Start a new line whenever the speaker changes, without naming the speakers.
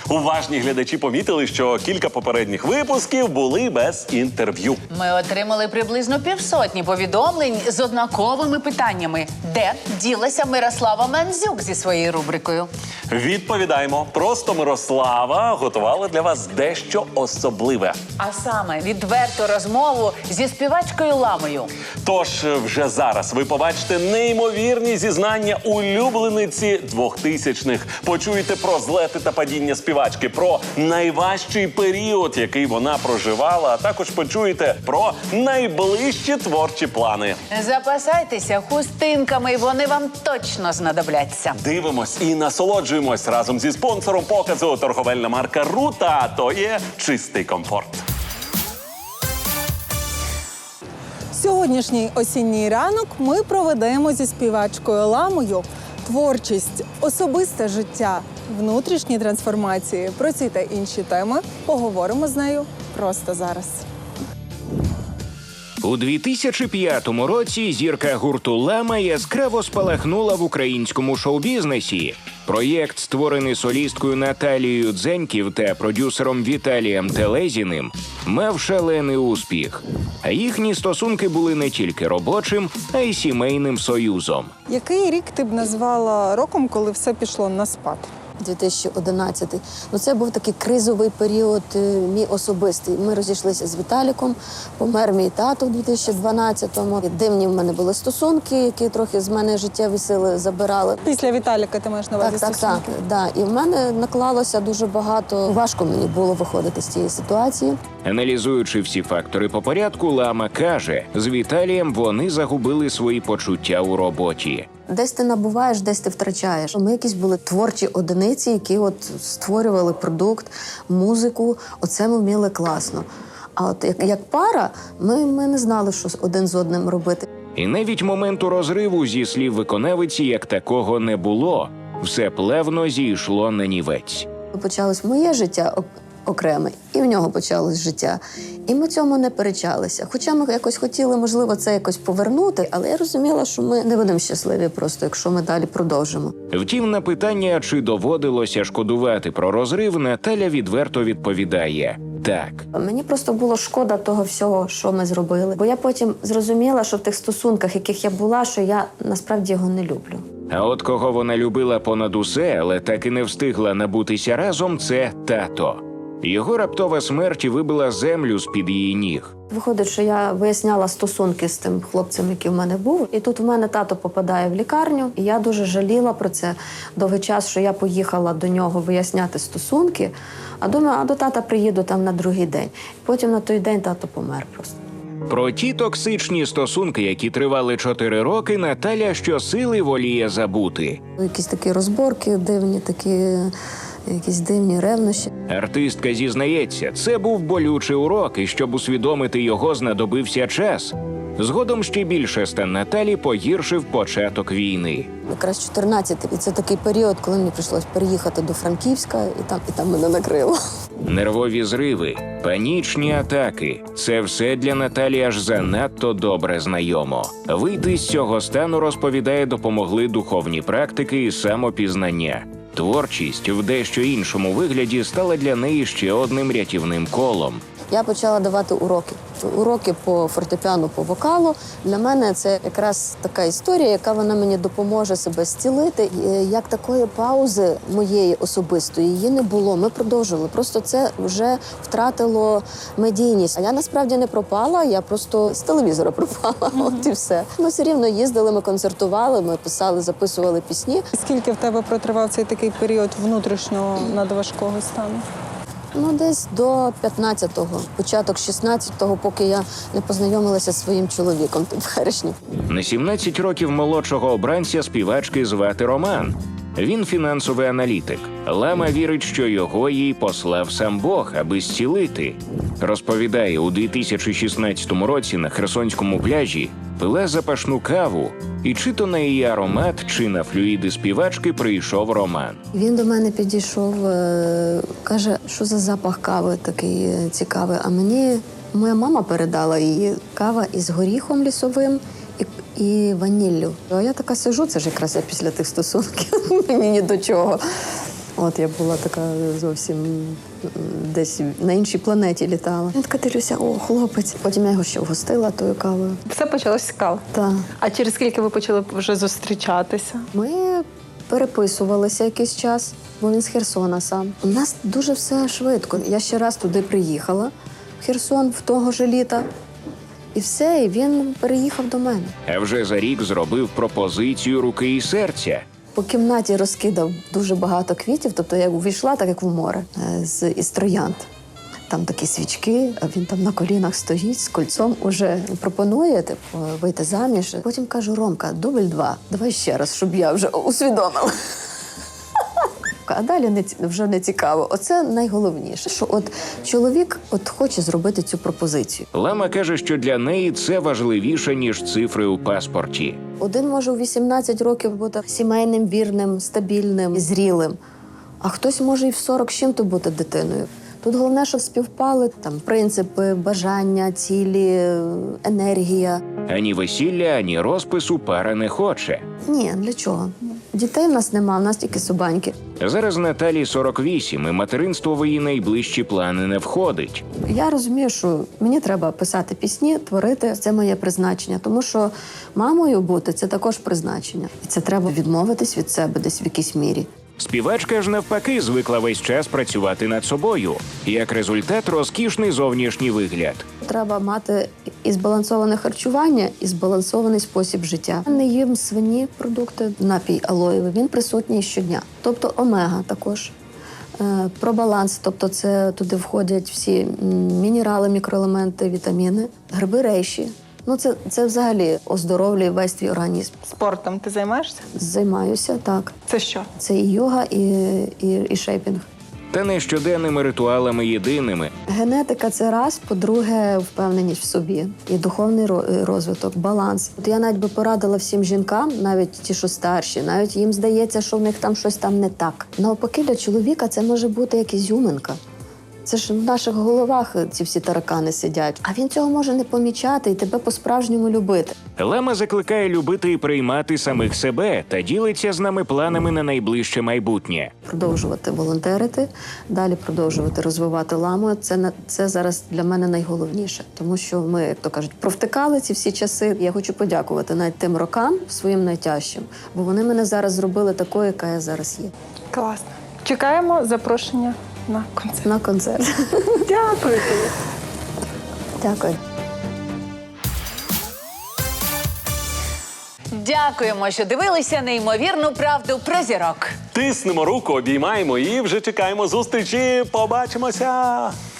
Уважні глядачі помітили, що кілька попередніх випусків були без інтерв'ю.
Ми отримали приблизно 500 повідомлень з однаковими питаннями. Де ділася Мирослава Мандзюк зі своєю рубрикою?
Відповідаємо. Просто Мирослава готувала для вас дещо особливе.
А саме відверту розмову зі співачкою Ламою.
Тож вже зараз ви побачите неймовірні зізнання улюблениці 2000-х. Почуєте про злети та падіння співачки, про найважчий період, який вона проживала, а також почуєте про найближчі творчі плани.
Запасайтеся хустинками, вони вам точно знадобляться.
Дивимось і насолоджуємось разом зі спонсором показу торговельна марка «Рута», а то є чистий комфорт.
Сьогоднішній осінній ранок ми проведемо зі співачкою Ламою. Творчість, особисте життя, внутрішні трансформації. Про ці та інші теми поговоримо з нею просто зараз.
У 2005 році зірка гурту «Лама» яскраво спалахнула в українському шоу-бізнесі. Проєкт, створений солісткою Наталією Дзеньків та продюсером Віталієм Телезіним, мав шалений успіх. А їхні стосунки були не тільки робочим, а й сімейним союзом.
Який рік ти б назвала роком, коли все пішло на спад?
2011. Ну, це був такий кризовий період мій особистий. Ми розійшлися з Віталіком, помер мій тато в 2012-му. Дивні в мене були стосунки, які трохи з мене життєві сили забирали.
Після Віталіка ти маєш на увазі стосунки?
Так. І в мене наклалося дуже багато. Важко мені було виходити з цієї ситуації.
Аналізуючи всі фактори по порядку, Лама каже, з Віталієм вони загубили свої почуття у роботі.
Десь ти набуваєш, десь ти втрачаєш. Ми якісь були творчі одиниці, які от створювали продукт, музику. Оце ми вміли класно. А от як пара, ми не знали, що один з одним робити.
І навіть моменту розриву, зі слів виконавиці, як такого не було. Все плавно зійшло на нівець.
Почалось моє життя окреме, і в нього почалось життя. І ми цьому не перечалися. Хоча ми якось хотіли, можливо, це якось повернути, але я розуміла, що ми не будемо щасливі просто, якщо ми далі продовжимо.
Втім, на питання, чи доводилося шкодувати про розрив, Наталя відверто відповідає – так.
Мені просто було шкода того всього, що ми зробили. Бо я потім зрозуміла, що в тих стосунках, яких я була, що я насправді його не люблю.
А от кого вона любила понад усе, але так і не встигла набутися разом – це тато. Його раптова смерть вибила землю з-під її ніг.
Виходить, що я виясняла стосунки з тим хлопцем, який в мене був. І тут в мене тато попадає в лікарню. І я дуже жаліла про це довгий час, що я поїхала до нього виясняти стосунки. А думаю, до тата приїду там на другий день. Потім на той день тато помер просто.
Про ті токсичні стосунки, які тривали 4 роки, Наталя щосили воліє забути.
Якісь такі розборки дивні, якісь дивні ревнощі.
Артистка зізнається, це був болючий урок, і щоб усвідомити його, знадобився час. Згодом ще більше стан Наталі погіршив початок війни.
Якраз 14-й. І це такий період, коли мені прийшлось переїхати до Франківська, і там мене накрило.
Нервові зриви, панічні атаки – це все для Наталі аж занадто добре знайомо. Вийти з цього стану, розповідає, допомогли духовні практики і самопізнання. Творчість в дещо іншому вигляді стала для неї ще одним рятівним колом.
Я почала давати уроки. Уроки по фортепіано, по вокалу. Для мене це якраз така історія, яка вона мені допоможе себе зцілити. Як такої паузи моєї особистої її не було. Ми продовжували. Просто це вже втратило медійність. А я насправді не пропала, я просто з телевізора пропала. От і все. Ми все рівно їздили, ми концертували, ми писали, записували пісні.
Скільки в тебе протривав цей такий період внутрішнього надважкого стану?
Ну, десь до 15-го, початок 16-го, поки я не познайомилася зі своїм чоловіком теперішнім.
На 17 років молодшого обранця співачки звати Роман. Він фінансовий аналітик. Лама вірить, що його їй послав сам Бог, аби зцілити. Розповідає, у 2016 році на Херсонському пляжі пила запашну каву, і чи то на її аромат, чи на флюїди співачки прийшов Роман.
Він до мене підійшов, каже, що за запах кави такий цікавий. А мені моя мама передала її. Кава із горіхом лісовим і ваніллю. А я така сижу, це ж якраз я після тих стосунків, мені ні до чого. От я була така зовсім десь на іншій планеті літала. Я така дивлюся, о, хлопець. Потім я його ще вгостила тою кавою.
Все почалось з кави.
Так.
А через скільки ви почали вже зустрічатися?
Ми переписувалися якийсь час, бо він з Херсона сам. У нас дуже все швидко. Я ще раз туди приїхала, в Херсон, в того ж літа. І все, і він переїхав до мене.
А вже за рік зробив пропозицію руки і серця.
По кімнаті розкидав дуже багато квітів, тобто я увійшла, так як в море, із троянд. Там такі свічки, а він там на колінах стоїть з кольцом, уже пропонує типу, вийти заміж. Потім кажу: Ромка, дубль 2, давай ще раз, щоб я вже усвідомила. А далі вже не цікаво. Оце найголовніше, що от чоловік хоче зробити цю пропозицію.
Лама каже, що для неї це важливіше, ніж цифри у паспорті.
Один може у 18 років бути сімейним, вірним, стабільним, зрілим, а хтось може і в 40 з чим-то бути дитиною. Тут головне, щоб співпали там принципи, бажання, цілі, енергія.
Ані весілля, ані розпису пара не хоче.
Ні, для чого? Дітей в нас нема, в нас тільки собаньки.
Зараз Наталі 48, і материнство в її найближчі плани не входить.
Я розумію, що мені треба писати пісні, творити. Це моє призначення, тому що мамою бути – це також призначення. І це треба відмовитись від себе десь в якійсь мірі.
Співачка ж навпаки звикла весь час працювати над собою. Як результат – розкішний зовнішній вигляд.
Треба мати і збалансоване харчування, і збалансований спосіб життя. Не їм свині продукти, напій алоєвий, він присутній щодня. Тобто омега також. Про баланс, тобто це туди входять всі мінерали, мікроелементи, вітаміни, гриби рейші. Ну, це взагалі оздоровлює весь твій організм.
Спортом ти займаєшся?
Займаюся, так.
Це що?
Це і йога, і шейпінг.
Та не щоденними ритуалами єдиними.
Генетика – це раз, по-друге, впевненість в собі. І духовний розвиток, баланс. От я навіть би порадила всім жінкам, навіть ті, що старші, навіть їм здається, що в них там щось там не так. Навпаки, для чоловіка це може бути як ізюминка. Це ж в наших головах ці всі таракани сидять. А він цього може не помічати і тебе по-справжньому любити.
Лама закликає любити і приймати самих себе та ділиться з нами планами на найближче майбутнє.
Продовжувати волонтерити, далі продовжувати розвивати ламу. Це зараз для мене найголовніше. Тому що ми, як то кажуть, провтикали ці всі часи. Я хочу подякувати навіть тим рокам своїм найтяжчим, бо вони мене зараз зробили такою, яка я зараз є.
Класно. Чекаємо запрошення на концерт.
На концерт.
Дякую тобі.
Дякую.
Дякуємо, що дивилися неймовірну правду про зірок.
Тиснемо руку, обіймаємо і вже чекаємо зустрічі. Побачимося!